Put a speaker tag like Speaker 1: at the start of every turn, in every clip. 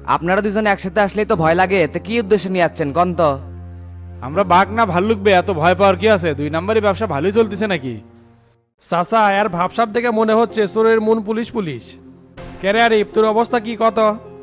Speaker 1: আপনারা দুজন একসাথে আসলেই তো ভয় লাগে, তো কি উদ্দেশ্যে নিয়ে যাচ্ছেন কন তো?
Speaker 2: আমরা বাঘ না ভাল্লুক বে, এত ভয় পাওয়ার কি আছে? 2 নম্বরই ব্যবসা ভালোই চলতেছে নাকি?
Speaker 3: চাচা আর ভাবসাব দেখে মনে হচ্ছে চোরের মন পুলিশ পুলিশ। কেরে আরিফ তোর অবস্থা কি কত?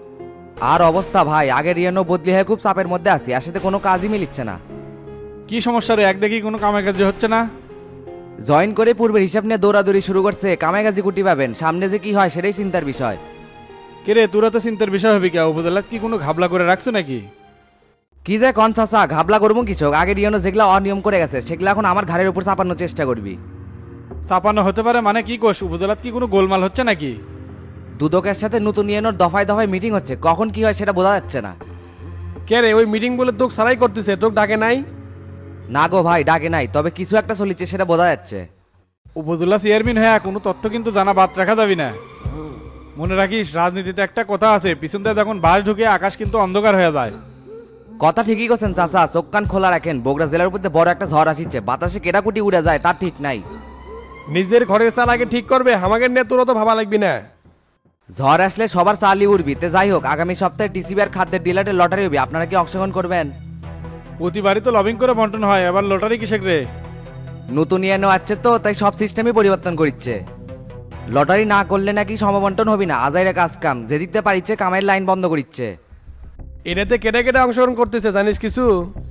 Speaker 1: আর অবস্থা ভাই, আগের ইয়ানো বদলি হয়ে খুব চাপের মধ্যে আছি, আর সাথে কোনো কাজই মিলিচ্ছে না।
Speaker 2: কি সমস্যা রে? এক দেখি কোনো কামে কাজে হচ্ছে না।
Speaker 1: জয়েন করে পূর্বের হিসাব নিয়ে দৌড়াদৌড়ি শুরু করছে, কামে কাজে কুটি পাবেন, সামনে যে কি হয় সেটাই চিন্তার বিষয়।
Speaker 2: কে রে, তোরা তো চিন্তার বিষয় হবে কে? উপজেলাত কি কোনো ঘাবলা করে রাখছো নাকি?
Speaker 1: কি যে কন চাচা, ঘাবলা করবো কিছু? আগের ইয়ানো যেগুলো অনিয়ম করে গেছে সেগুলো এখন আমার ঘাড়ের উপর চাপানোর চেষ্টা করবি।
Speaker 2: চাপানো হতে পারে মানে কি কোষ? উপজেলাত কি কোনো গোলমাল হচ্ছে নাকি?
Speaker 1: দুদকের সাথে নতুন ইয়ানোর দফায় দফায় মিটিং হচ্ছে, কখন কি হয় সেটা বোঝা যাচ্ছে না।
Speaker 3: কেরে ওই মিটিং বলে তোকে সারাই করতেছে, তোকে ডাকে নাই?
Speaker 1: না গো ভাই, ডাকে নাই, তবে কিছু একটা চলিচ্ছে সেটা বোঝা যাচ্ছে।
Speaker 2: উপজেলা চেয়ারম্যান হ্যাঁ, কোনো তথ্য কিন্তু জানা বাদ রাখা যাবি না। মনে রাখিস, রাজনীতিতে একটা কথা আছে, পিছন দিয়ে যখন বাস ঢুকে আকাশ কিন্তু অন্ধকার হয়ে যায়।
Speaker 1: কথা ঠিকই করছেন চাচা, চোখ কান খোলা রাখেন। বগুড়া জেলার উপর দিয়ে বড় একটা ঝড় আসছে, বাতাসে কেটাকুটি উড়ে যায় তার ঠিক নাই।
Speaker 3: নিজের ঘরের চাল আগে ঠিক করবে, আমাকে নিয়ে তোর তো ভাবা লাগবি না।
Speaker 1: ঝড় আসলে সবার চালই উড়বি। তে যাই হোক, আগামী সপ্তাহে টিসিবি আর খাদ্যের ডিলারের লটারি হবে, আপনারা কি অংশগ্রহণ করবেন?
Speaker 2: প্রতিবারই তো লবিং করে বন্টন হয়, এবার লটারি কিসের রে?
Speaker 1: নতুন ইয়ানো আছে তো, তাই সব সিস্টেমই পরিবর্তন করছে। লটারি না করলে নাকি সমবন্টন হবি না, আজাইরা কাজ কাম যে দিতে পারিচ্ছে কামের লাইন বন্ধ করিচ্ছে।
Speaker 3: এটাতে কেটে কেটে অংশগ্রহণ করতেছে জানিস কিছু?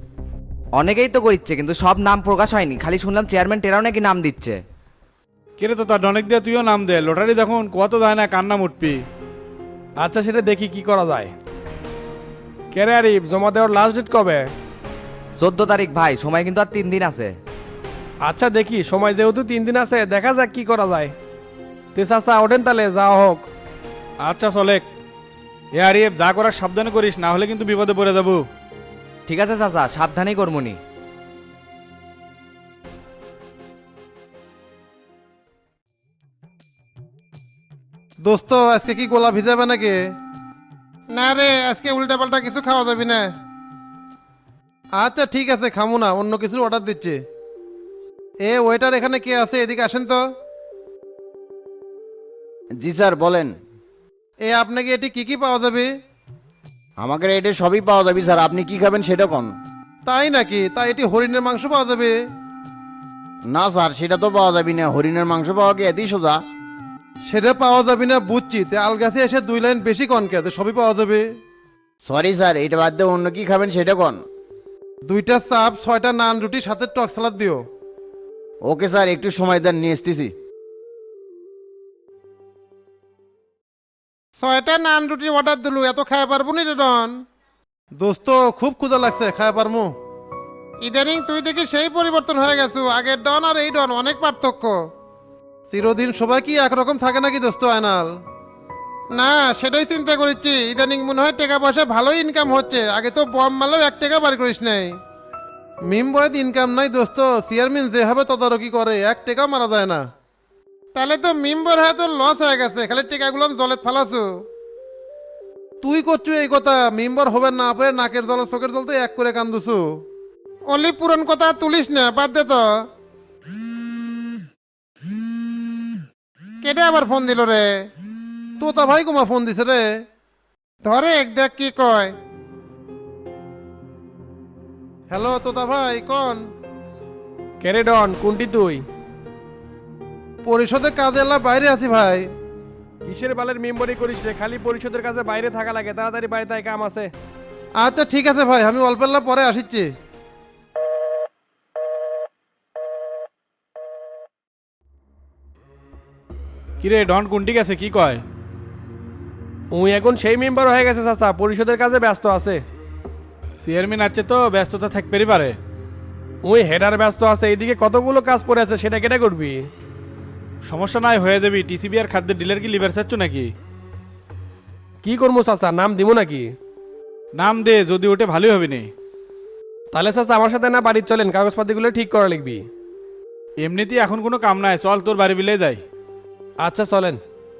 Speaker 1: অনেকেই তো করিচ্ছে, কিন্তু সব নাম প্রকাশ হয়নি, খালি শুনলাম চেয়ারম্যান টেরাও নাকি নাম দিচ্ছে।
Speaker 2: কে রে, তো তার অনেক দিয়ে তুইও নাম দে। লটারি দেখুন কত যায় না, কান্না উঠবি।
Speaker 3: আচ্ছা সেটা দেখি কি করা যায়। কেরে আরিফ জমা দেওয়ার লাস্ট ডেট কবে?
Speaker 1: 14 তারিখ ভাই, সময় কিন্তু আর 3 দিন আছে।
Speaker 3: আচ্ছা দেখি, সময় যেহেতু 3 দিন আছে, দেখা যাক কি করা যায়। তে চাচা ওঠেন তাহলে, যাওয়া হোক।
Speaker 2: আচ্ছা চলে। এ আরিফ, যা করার সাবধানে করিস, না হলে কিন্তু বিপদে পড়ে যাবো।
Speaker 1: ঠিক আছে চাচা, সাবধানেই করমুনি।
Speaker 4: দোস্ত আজকে কি গোলা ভিজাবে নাকি? না রে, আজকে উল্টা পাল্টা কিছু খাওয়া যাবি না। আচ্ছা ঠিক আছে, খামু না, অন্য কিছুর অর্ডার দিচ্ছি। এ ওয়েটার, এখানে কে আছে? এদিকে আসেন তো।
Speaker 5: জি স্যার বলেন।
Speaker 4: এ আপনাকে এটি কি কি পাওয়া যাবে?
Speaker 5: আমাকে এটা সবই পাওয়া যাবে স্যার, আপনি কি খাবেন সেটা কোন?
Speaker 4: তাই নাকি? তাই এটি হরিণের মাংস পাওয়া যাবে?
Speaker 5: না স্যার, সেটা তো পাওয়া যাবে না। হরিণের মাংস পাওয়া কি এতই সোজা?
Speaker 4: সেটা পাওয়া যাবে না বুঝছি, তে আলগাছে এসে 2 লাইন বেশি কনকে, তো সবই পাওয়া যাবে।
Speaker 5: সরি স্যার, এটা বাদ দিয়ে অন্য কি খাবেন সেটা কোন?
Speaker 4: 2টা চাপ, 6টা নান রুটি, সাথে টক সালাদ দিও।
Speaker 5: ওকে স্যার, একটু সময় দেন, নিয়ে আসতেছি।
Speaker 4: 6টা নান রুটি অর্ডার দিলু, এত খাওয়া পারবো নি রে ডন? দোস্ত খুব ক্ষুধা লাগছে, খাওয়া পারমু? ইদানিং তুই দেখি সেই পরিবর্তন হয়ে গেছো, আগের ডন আর এই ডন অনেক পার্থক্য। চিরদিন সবাই কি একরকম থাকে নাকি দোস্ত আয়নাল? না সেটাই চিন্তা করেছি, ইদানিং মনে হয় টাকা পয়সা ভালোই ইনকাম হচ্ছে, আগে তো বম মারলেও 1 টাকা বার করিস নাই। মেম্বারের ইনকাম নাই দোস্ত, চেয়ারম্যান যেভাবে তদারকি করে 1 টাকাও মারা যায় না। তাহলে তো মেম্বার হয়ে তোর লস হয়ে গেছে, খালি টিকাগুলো জলে ফালাছো। তুই করছু এই কথা, মেম্বার হবে না পারে নাকের জল চোখের জল তো এক করে কান্দুছু। অলি পুরন কথা তুলিস না, বাদ দে তো। কেটে আবার ফোন দিল রে? তোতা ভাই কুমা ফোন দিছে রে, ধরে এক দেখ কি কয়। হ্যালো তোতা ভাই, কোন?
Speaker 3: কেরে ডন, কোনটি তুই?
Speaker 4: পরিষদে কাজে এলা বাইরে আছি ভাই।
Speaker 3: কিসের বালের মেম্বারি করিস রে? খালি পরিষদের কাছে বাইরে থাকা লাগে, তাড়াতাড়ি বাড়িতে আয়, কাম আছে।
Speaker 4: আচ্ছা ঠিক আছে ভাই, আমি অল্পেল্লা পরে আসিচ্ছি।
Speaker 2: কিরে ডন কোনটি গেছে, কি কয়?
Speaker 3: উই এখন সেই মেম্বার হয়ে গেছে চাচা, পরিষদের কাজে ব্যস্ত আছে।
Speaker 2: চেয়ারম্যান আছে তো ব্যস্ততা থাকতেই পারে।
Speaker 3: ওই হেডার ব্যস্ত আছে, এইদিকে কতগুলো কাজ পড়ে আছে, সেটা কেটে করবি?
Speaker 2: সমস্যা নাই, হয়ে যাবি। টিসিবি আর খাদ্যের ডিলার কি লিভার চাচ্ছ নাকি?
Speaker 3: কি করবো চাচা, নাম দিব নাকি?
Speaker 2: নাম দে, যদি ওঠে ভালোই হবে নি।
Speaker 3: তাহলে চাচা আমার সাথে না বাড়ির চলেন, কাগজপাতিগুলো ঠিক করা লিখবি।
Speaker 2: এমনিতেই এখন কোনো কাম নাই, চল তোর বাড়ি বিলে যাই।
Speaker 3: আচ্ছা চলেন।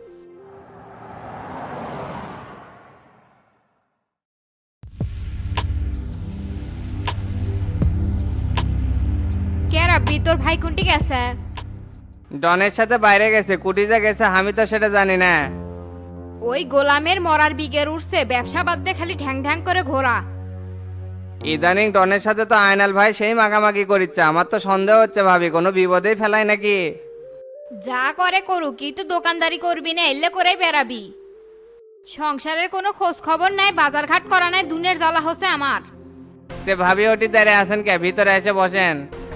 Speaker 6: কে রাব্বি, তোর ভাই কোনটি গেছে?
Speaker 7: ডনের সাথে বাইরে গেছে, কুটিজা গেছে, আমি তো সেটা জানি না।
Speaker 6: ওই গোলামের মরার বিগের উঠছে, ব্যবসা বাদ দিয়ে খালি ঢ্যাং ঢ্যাং করে ঘোরা।
Speaker 7: ইদানিং ডনের সাথে তো আয়নাল ভাই সেই মাখামাখি করিচ্ছে, আমার তো সন্দেহ হচ্ছে ভাবি কোনো বিপদেই ফেলায় নাকি।
Speaker 6: যা করে করুক, কি তো দোকানদারি করবি না, এলে করেই বেড়াবি। সংসারের কোনো খোঁজ খবর নাই, বাজারঘাট করা নাই, দুনের জ্বালা হচ্ছে আমার।
Speaker 7: তে ভাবি ওটি দাঁড়িয়ে আছেন কে, ভিতরে এসে বসেন।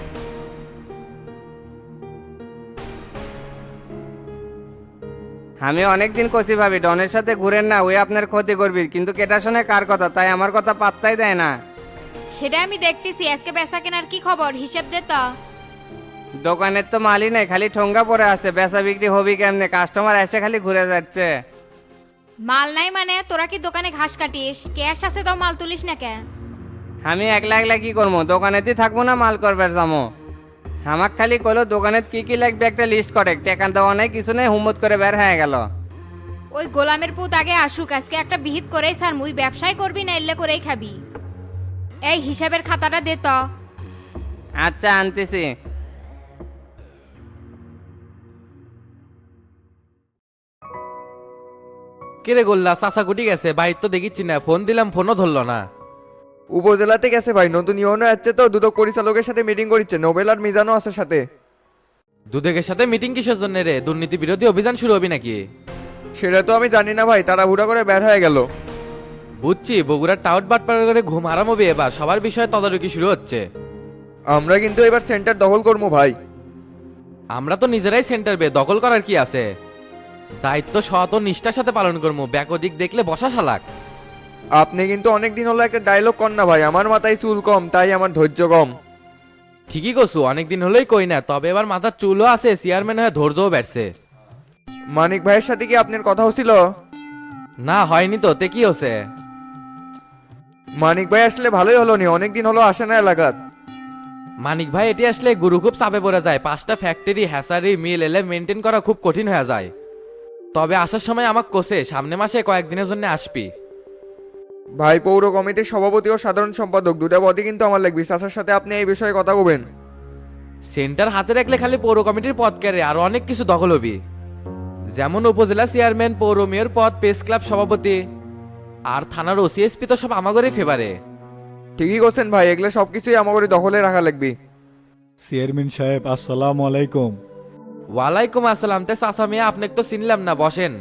Speaker 7: আমি অনেকদিন কষি ভাবি ডনের সাথে ঘুরেন না, ওই আপনার ক্ষতি করবি, কিন্তু কেটা শোনে কার কথা, তাই আমার কথা পাত্তাই দেয় না।
Speaker 6: সেটা আমি দেখতেছি। আজকে বেচা কেনার কি খবর, হিসেব দে তো।
Speaker 7: দোকানের তো মালই নাই, খালি ঠোঙ্গা পড়ে আছে, বেচা বিক্রি হবি কেমনে, কাস্টমার এসে খালি ঘুরে যাচ্ছে।
Speaker 6: মাল নাই মানে? তোরা কি দোকানে ঘাস কাটিস? ক্যাশ আছে তো মাল তুলিস না কেন?
Speaker 7: আমি একলা একলা কি করবো, দোকানেতেই থাকবো না মাল করবার যাবো। আমাক খালি কইলো দোকানে কি কি লাগবে একটা লিস্ট করে, টেকা দেওয়া নাই কিছু নেই, হুম্মত করে বের হয়ে গেল।
Speaker 6: ওই গোলামের পুত আগে আসুক, আজকে একটা বিহিত করেই স্যার, মুই ব্যবসায় করবি না এলে করেই খাবি। এই হিসাবের খাতাটা দে তো।
Speaker 7: আচ্ছা আনতেছি।
Speaker 8: কেরে গোল্লা চাচা কুটি গেছে, বাড়ির তো দেখিচ্ছি না, ফোন দিলাম ফোনও ধরলো না।
Speaker 9: উপজেলাতে গেছে ভাই, নতুন ইউনো আসছে তো, দুদক পরিচালকের সাথে মিটিং করিচ্ছে, নোবেল আর মিজানও আছে সাথে।
Speaker 8: দুদকের সাথে মিটিং কিসের জন্য রে? দুর্নীতি বিরোধী অভিযান শুরু হবি নাকি?
Speaker 9: সেটা তো আমি জানি না ভাই, তারা হুড়া করে বের হয়ে গেল।
Speaker 8: বুঝছি, বগুড়ার টাউট বাটপাড়া করে ঘুম হারাম হবে এবার, সবার বিষয়ে তদারকি শুরু হচ্ছে।
Speaker 9: আমরা কিন্তু এবার সেন্টার দখল করবো ভাই।
Speaker 8: আমরা তো নিজেরাই সেন্টার দখল করার কি আছে? দায়িত্ব সৎ ও নিষ্ঠার সাথে পালন করবো, ব্যাকদিক দেখলে বসা শালাক।
Speaker 9: আপনি কিন্তু অনেকদিন হলো একটা ডায়লগ কর না ভাই, আমার মাথায় চুল কম তাই আমার ধৈর্য কম।
Speaker 8: ঠিকই কছু, অনেকদিন হলেই কই না, তবে এবার মাথার চুলও আছে, চেয়ারম্যান হয়ে ধৈর্যও বেড়ছে।
Speaker 9: মানিক ভাইয়ের সাথে কি আপনার কথা হচ্ছিল?
Speaker 8: না হয়নি তো, তে কি হচ্ছে?
Speaker 9: মানিক ভাই আসলে ভালোই হলো নি, অনেকদিন হলো আসে না এলাকাত।
Speaker 8: মানিক ভাই এটি আসলে গুরু খুব চাপে পড়ে যায়, 5টা ফ্যাক্টরি হ্যাসারি মিল এলে মেনটেন করা খুব কঠিন হয়ে যায়। তবে আসার সময় আমাকে কোসে সামনে মাসে কয়েকদিনের জন্য আসবি।
Speaker 9: ভাই পৌর কমিটির সভাপতি ও সাধারণ সম্পাদক দুটা পদে কিন্তু আমার লাগবে, চাচার সাথে আপনি এই বিষয়ে কথা বলবেন।
Speaker 8: সেন্টার হাতে রাখলে খালি পৌর কমিটির পদ কেড়ে আরো অনেক কিছু দখল হবি, যেমন উপজেলা চেয়ারম্যান, পৌর মেয়র পদ, প্রেস ক্লাব সভাপতি আর থানার ওসিএসপি তো সব আমাগরে ফেভারে।
Speaker 9: ঠিকই করছেন ভাই, এগুলো সবকিছুই আমাদের দখলে রাখা লাগবে।
Speaker 10: চেয়ারম্যান সাহেব আসসালামু আলাইকুম।
Speaker 8: ওয়ালাইকুম আসসালাম। তে চাচা মিয়া আপনাকে তো চিনলাম না, বসেন।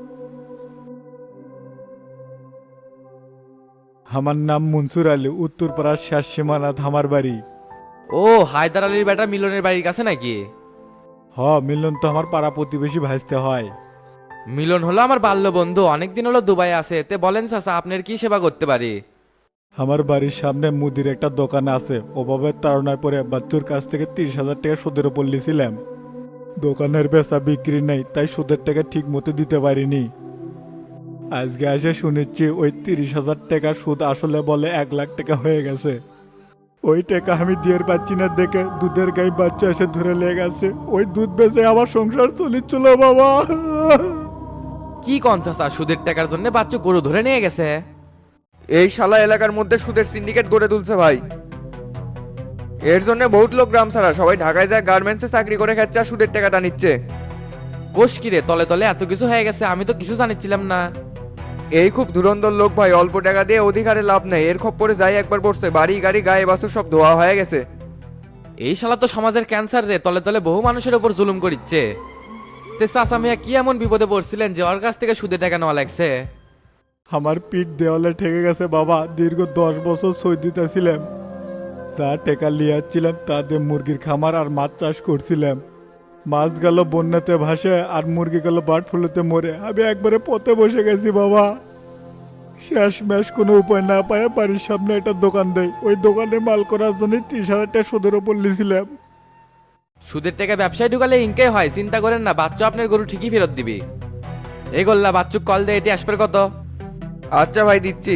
Speaker 10: আমার নাম মনসুর আলী, উত্তরপাড়ার শেষ সীমানা ধামার বাড়ি।
Speaker 8: ও হায়দার আলীর বেটা মিলনের বাড়ির কাছে নাকি?
Speaker 10: মিলন তো আমার পাড়া প্রতিবেশী ভাইস্তে হয়।
Speaker 8: মিলন হলো আমার বাল্য বন্ধু, অনেকদিন হলো দুবাই আছে। তে বলেন চাচা আপনার কি সেবা করতে পারি?
Speaker 10: আমার বাড়ির সামনে মুদির একটা দোকান আছে, অভাবের তাড়নায় পরে বাচ্চুর কাছ থেকে 30,000 টাকা সুদের উপর লিছিলাম। দোকানের বেচা বিক্রি নাই, তাই সুদের টাকা ঠিক মতো দিতে পারিনি। আজকে এসে শুনেছি ওই 30,000 টাকা সুদ আসলে বলে 1 লাখ টাকা হয়ে গেছে। ওই টাকা আমি দিয়ে পাচ্ছি না দেখে দুধের গাই বাচ্চা এসে ধরে লেগে গেছে, ওই দুধ বেচে আমার সংসার চলিচ্ছিল বাবা।
Speaker 8: কি কন চাচা, সুদের টাকার জন্য বাচ্চু গরু ধরে নিয়ে গেছে?
Speaker 9: এই শালা এলাকার মধ্যে সুদের সিন্ডিকেট গড়ে তুলছে ভাই। এর জন্য বহুত লোক গ্রাম ছাড়া সবাই ঢাকায় যায়, গার্মেন্টসে চাকরি করে খাচ্ছে আর সুদের টাকাটা নিচ্ছে।
Speaker 8: কোষ কিরে, তলে তলে এত কিছু হয়ে গেছে, আমি তো কিছু জানিছিলাম না।
Speaker 9: এই খুব ধুরন্ধর লোক ভাই, অল্প টাকা দিয়ে অধিকারে লাভ নেই, এর খপ্পরে যাই একবার পড়ছে, বাড়ি গাড়ি গায়ে বাসু সব ধোয়া হয়ে গেছে।
Speaker 8: এই শালা তো সমাজের ক্যান্সার রে, তলে তলে বহু মানুষের উপর জুলুম করিচ্ছে। তে চাচা মিয়া কি এমন বিপদে পড়ছিলেন যে ওর কাছ থেকে সুদের টাকা নেওয়া লাগছে?
Speaker 10: আমার পিঠ দেওয়ালে ঠেকে গেছে বাবা, দীর্ঘ 10 বছর সই দিতেছিলাম। যা টাকা লিয়াচ্ছিলাম তা দিয়ে মুরগির খামার আর মাছ চাষ করছিলাম। মাছ গেল বন্যাতে ভাসে আর মুরগি গেল বার্ড ফ্লুতে মরে, আমি একবারে পথে বসে গেছি বাবা। শেষ ম্যাশ কোনো উপায় না পায় বাড়ির সামনে একটা দোকান দেয়, ওই দোকানে মাল করার জন্য 30,000 টাকা সুদের ওপর লিছিলাম।
Speaker 8: সুদের টাকা ব্যবসায় ঢুকালে ইনকাই হয়, চিন্তা করেন না, বাচ্চু আপনার গরু ঠিকই ফেরত দিবি। এই গোল্লা বাচ্চুক কল দে, এটি আসবে কত?
Speaker 9: আচ্ছা ভাই দিচ্ছি।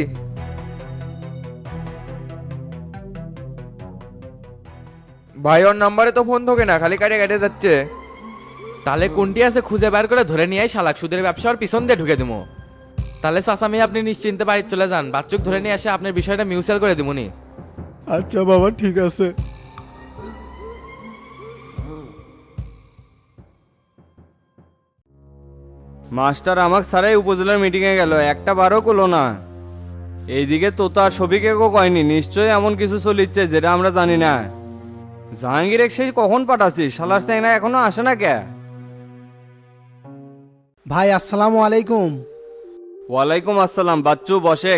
Speaker 9: ভাই ওর নাম্বারে তো ফোন থাকে না, খালি কাটে কেটে যাচ্ছে।
Speaker 8: তাহলে কোনটি আছে খুঁজে বের করে ধরে নিয়ে শালাক সুদের ব্যবসার পিছন দিয়ে ঢুকে দিবো। তাহলে চাচা মিয়া আপনি নিশ্চিন্তে বাড়ি চলে যান, বাচ্চুক ধরে নিয়ে আসে আপনার বিষয়টা মিউচুয়াল করে দিবনি।
Speaker 10: আচ্ছা বাবা ঠিক আছে।
Speaker 7: মাস্টার আমাকে সারাই উপজেলার মিটিংয়ে গেল, একটা বারও করলো না। এইদিকে তো তার ছবিকে কয়নি, নিশ্চয়ই এমন কিছু চলিচ্ছে যেটা আমরা জানি না। জাহাঙ্গীর সেই কখন পাঠাচ্ছিস? শালার স্যাংরা এখনো আসে না কে?
Speaker 3: ভাই আসসালামু আলাইকুম।
Speaker 7: ওয়ালাইকুম আসসালাম। বাচ্চু বসেক।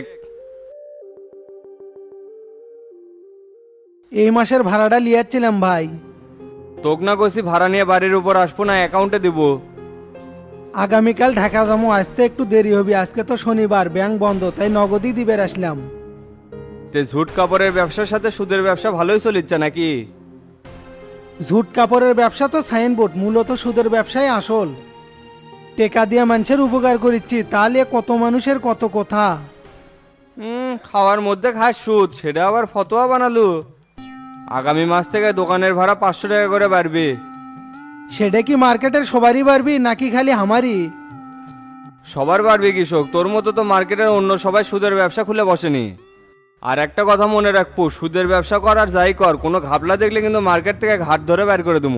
Speaker 3: এই মাসের ভাড়াটা লিয়াচ্ছিলাম ভাই।
Speaker 7: তোক না কষি ভাড়া নিয়ে বাড়ির উপর আসবো না, অ্যাকাউন্টে দিব।
Speaker 3: আগামীকাল ঢাকা যাবো, আসতে একটু দেরি হবে, আজকে তো শনিবার, ব্যাংক বন্ধ, তাই নগদই দিবের আসলাম।
Speaker 7: তে ঝুট কাপড়ের ব্যবসার সাথে সুদের ব্যবসা ভালোই চলিচ্ছে নাকি?
Speaker 3: ঝুট কাপড়ের ব্যবসা তো সাইনবোর্ড, মূলত সুদের ব্যবসায় আসল। টেকা দিয়ে মানুষের উপকার করিচ্ছি, তাহলে কত মানুষের কত কথা।
Speaker 7: খাওয়ার মধ্যে খাস সুদ, সেটা আবার ফতোয়া বানালু। আগামী মাস থেকে দোকানের ভাড়া 500 টাকা করে বাড়বে।
Speaker 3: সেটা কি মার্কেটের সবারই বাড়বি নাকি খালি আমারই?
Speaker 7: সবার বাড়বে কৃষক, তোর মতো তো মার্কেটের অন্য সবাই সুদের ব্যবসা খুলে বসেনি। আর একটা কথা মনে রাখবো, সুদের ব্যবসা কর আর যাই কর, কোনো ঘাপলা দেখলে কিন্তু মার্কেট থেকে ঘাট ধরে বের করে দেবো।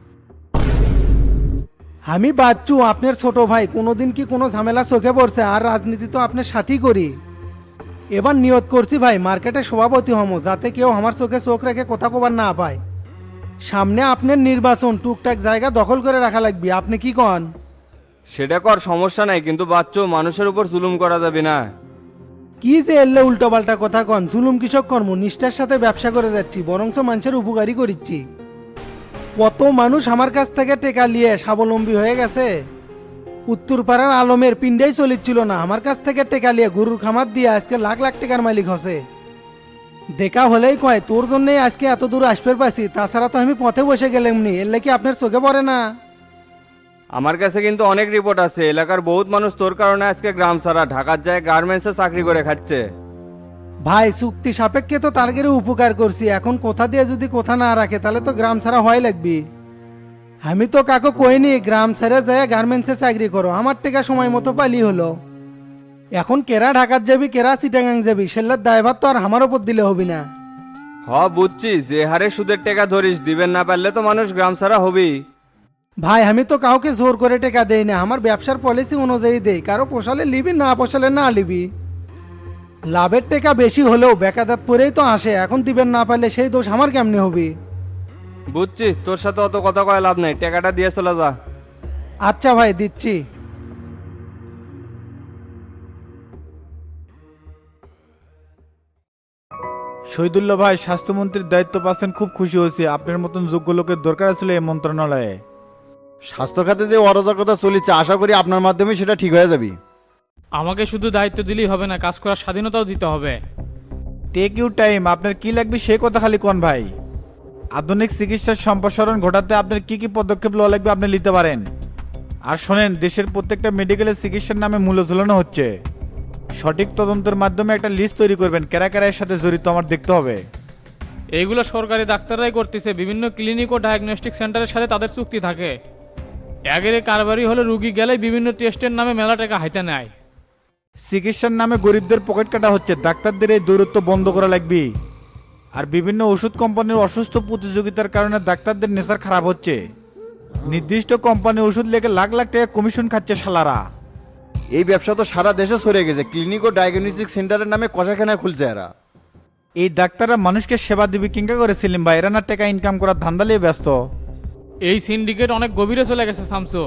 Speaker 3: আমি বাচ্চু, আপনার ছোট ভাই, কোনোদিন কি কোনো ঝামেলা চোখে পড়ছে? আর রাজনীতি তো আপনার সাথেই করি। এবার নিয়ত করছি ভাই, মার্কেটে সভাপতি হমো, যাতে কেউ আমার চোখে চোখ রেখে কথা কবার না পায়। সামনে আপনার নির্বাচন, টুকটাক জায়গা দখল করে রাখা লাগবে, আপনি কি কন?
Speaker 7: সেটা কর, সমস্যা নাই, কিন্তু বাচ্চু মানুষের উপর জুলুম করা যাবে না।
Speaker 3: কি যে এলে উল্টো পাল্টা কথা কন? জুলুম কৃষক কর্ম, নিষ্ঠার সাথে ব্যবসা করে যাচ্ছি, বরঞ্চ মানুষের উপকারী করিচ্ছি। কত মানুষ আমার কাছ থেকে টেকা নিয়ে স্বাবলম্বী হয়ে গেছে। উত্তরপাড়ার আলমের পিণ্ডাই চলিচ্ছিল না, আমার কাছ থেকে টেকা নিয়ে গরুর খামার দিয়ে আজকে লাখ লাখ টাকার মালিক হসে। দেখা হলেই কয় তোর জন্যই আজকে এত দূর আসবে পাচ্ছি, তাছাড়া তো আমি পথে বসে গেলামনি, এলে কি আপনার চোখে পড়ে না?
Speaker 7: আমার কাছে কিন্তু অনেক রিপোর্ট আছে, এলাকার বহুত মানুষ তোর কারণে আজকে গ্রাম ছাড়া ঢাকার যায় গার্মেন্টসে চাকরি করে খাচ্ছে।
Speaker 3: ভাই চুক্তি সাপেক্ষে তো তারগেরে উপকার করছি, এখন কোথা দিয়ে যদি কোথা না রাখে তাহলে তো গ্রাম ছাড়া হয় লাগবি। আমি তো কাকু কইনি গ্রাম ছেড়ে যায় গার্মেন্টসে চাকরি করো, আমার টেকা সময় মতো পালি হলো। এখন কেরা ঢাকার যাবি, কেরা চিটাগাং যাবি, সেল্লার দায়ভার তো আর আমার ওপর দিলে হবি না।
Speaker 7: বুঝছি, যে হারে সুদের টাকা ধরিস, দিবেন না পারলে তো মানুষ গ্রাম ছাড়া হবেই।
Speaker 3: ভাই আমি তো কাউকে জোর করে টেকা দেই না, আমার ব্যবসার পলিসি অনুযায়ী দেই, কারো পোষালে লিবি, না পোষালে না লিবি। লাভের টেকা বেশি হলেও বেকাদাত পরেই তো আসে, এখন দিবেন না পারলে সেই দোষ আমার কেমনে হবে?
Speaker 7: বুঝছি, তোর সাথে অত কথা কয় লাভ নাই, টাকাটা দিয়ে চলে যা।
Speaker 3: আচ্ছা ভাই, দিচ্ছি।
Speaker 10: শহীদুল্লাহ ভাই, স্বাস্থ্যমন্ত্রীর দায়িত্ব পাচ্ছেন, খুব খুশি হয়েছি। আপনার মতন যোগ্য লোকের দরকার ছিল এই মন্ত্রণালয়ে।
Speaker 5: স্বাস্থ্য খাতে যে অরাজকতা চলিচ্ছে, আশা করি আপনার মাধ্যমে সেটা ঠিক হয়ে যাবে।
Speaker 11: আমাকে শুধু দায়িত্ব দিলেই হবে না, কাজ করার স্বাধীনতাও দিতে হবে।
Speaker 10: টেক ইউ টাইম, আপনার কি লাগবে সে কথা খালি কোন ভাই। আধুনিক চিকিৎসার সম্প্রসারণ ঘটাতে আপনার কি কি পদক্ষেপ লওয়া লাগবে আপনি নিতে পারেন। আর শোনেন, দেশের প্রত্যেকটা মেডিকেলের চিকিৎসার নামে মূল্য ঝুলানো হচ্ছে। সঠিক তদন্তের মাধ্যমে একটা লিস্ট তৈরি করবেন, কারা কারা এর সাথে জড়িত আমার দেখতে হবে।
Speaker 11: এইগুলো সরকারি ডাক্তাররাই করতেছে, বিভিন্ন ক্লিনিক ও ডায়াগনস্টিক সেন্টারের সাথে তাদের চুক্তি থাকে। আগের কারবারি হলে রুগী গেলে বিভিন্ন টেস্টের নামে মেলা টাকা হাইতে নেয়।
Speaker 10: চিকিৎসার নামে গরিবদের পকেট কাটা হচ্ছে, ডাক্তারদের এই দৌরত্ব বন্ধ করা লাগবে। আর বিভিন্ন ওষুধ কোম্পানির অসুস্থ প্রতিযোগিতার কারণে ডাক্তারদের নেশার খারাপ হচ্ছে। নির্দিষ্ট কোম্পানি ওষুধ লেগে লাখ লাখ টাকা কমিশন খাচ্ছে শালারা।
Speaker 5: এই ব্যবসা তো সারা দেশে ছড়িয়ে গেছে, ক্লিনিক ও ডায়াগনস্টিক সেন্টারের নামে কষাখানা খুলছে এরা।
Speaker 10: এই ডাক্তাররা মানুষকে সেবা দিবি কিংকা করে সেলিম ভাই, এরা না টাকা ইনকাম করার ধান্দা নিয়ে ব্যস্ত।
Speaker 11: এই সিন্ডিকেট অনেক গভীরে চলে গেছে শামসু।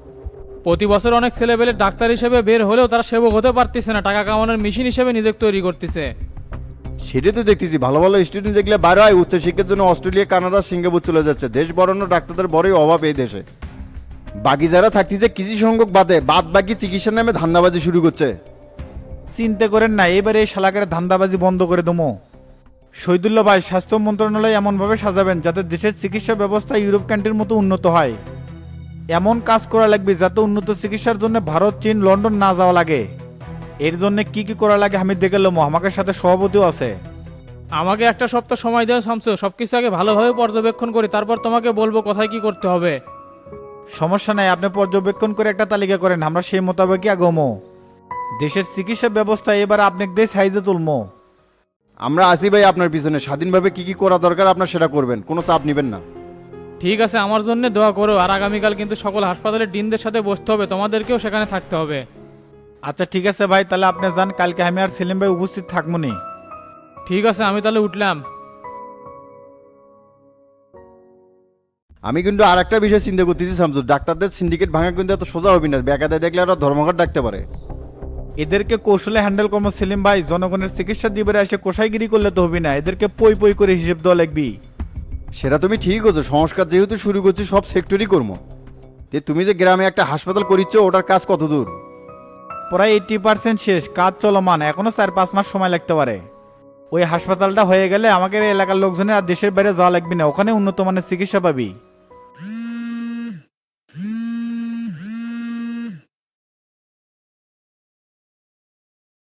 Speaker 11: প্রতি বছর অনেক ছেলেবেলে ডাক্তার হিসেবে বের হলেও তারা সেবক হতে পারতেছে না, টাকা কামানোর মেশিন হিসেবে নিজেকে তৈরি করতেছে।
Speaker 5: সেটাই তো দেখতেছি, ভালো ভালো স্টুডেন্ট যেগুলো বাইরে হয় উচ্চশিক্ষার জন্য অস্ট্রেলিয়া, কানাডা, সিঙ্গাপুর চলে যাচ্ছে। দেশ বড়ানো ডাক্তারদের বড়ই অভাব এই দেশে। বাকি যারা থাকতেছে কিছু সংখ্যক বাদ বাকি চিকিৎসার নামে ধান্দাবাজি শুরু করছে।
Speaker 10: চিন্তা করেন না, এবারে এই শালাকের ধান্দাবাজি বন্ধ করে দেবো। শহীদুল্লাহ ভাই, স্বাস্থ্য মন্ত্রণালয় এমনভাবে সাজাবেন যাতে দেশের চিকিৎসা ব্যবস্থা ইউরোপ কান্ট্রির মতো উন্নত হয়। এমন কাজ করা লাগবে যাতে উন্নত চিকিৎসার জন্য ভারত, চীন, লন্ডন না যাওয়া লাগে। এর জন্য কি কি করা লাগে আমি দেখে এলাম, আমাকে সাথে সভাপতিও আছে।
Speaker 11: আমাকে একটা সপ্তাহ সময় দেও শামসু, সবকিছু আগে ভালোভাবে পর্যবেক্ষণ করি, তারপর তোমাকে বলবো কোথায় কি করতে হবে।
Speaker 10: সমস্যা নাই, আপনি পর্যবেক্ষণ করে একটা তালিকা করেন, আমরা সেই মোতাবেকই আগমো। দেশের চিকিৎসা ব্যবস্থা এবার আপনাকে দিয়ে সাইজে তুলমো।
Speaker 5: আমরা আসি ভাই আপনার পিছনে, স্বাধীনভাবে কি কি করা দরকার আপনার সেটা করবেন, কোনো চাপ নেবেন না।
Speaker 11: ঠিক আছে, আমার জন্য দোয়া করো। আর আগামীকাল কিন্তু সকল হাসপাতালের ডিনদের সাথে বসতে হবে, তোমাদেরকেও সেখানে থাকতে হবে।
Speaker 10: আচ্ছা ঠিক আছে ভাই, তাহলে আপনি যান, কালকে আমি আর সেলিম ভাই উপস্থিত থাকবো নি।
Speaker 11: ঠিক আছে, আমি তাহলে উঠলাম।
Speaker 5: আমি কিন্তু আর একটা বিষয় চিন্তা করতেছি শামসু, ডাক্তারদের সিন্ডিকেট ভাঙা কিন্তু এত সোজা হবে না, বেকায়দায় দেখলে ওরা ধর্মঘট ডাকতে পারে।
Speaker 10: এদেরকে কৌশলে হ্যান্ডেল করবো সেলিম ভাই, জনগণের চিকিৎসা দিবে এসে কোষাইগিরি করলে তো হবে না, এদেরকে পই পই করে হিসেব দেওয়া লাগবি।
Speaker 5: সেটা তুমি ঠিক করছো, সংস্কার যেহেতু শুরু করছি সব সেক্টরই করবো। তুমি যে গ্রামে একটা হাসপাতাল করিচ্ছ, ওটার কাজ কত দূর?
Speaker 10: প্রায় 80% শেষ, কাজ চলমান, এখনো 4-5 মাস সময় লাগতে পারে। ওই হাসপাতালটা হয়ে গেলে আমাদের এলাকার লোকজনের আর দেশের বাইরে যাওয়া লাগবে না, ওখানে উন্নত মানের চিকিৎসা পাবি।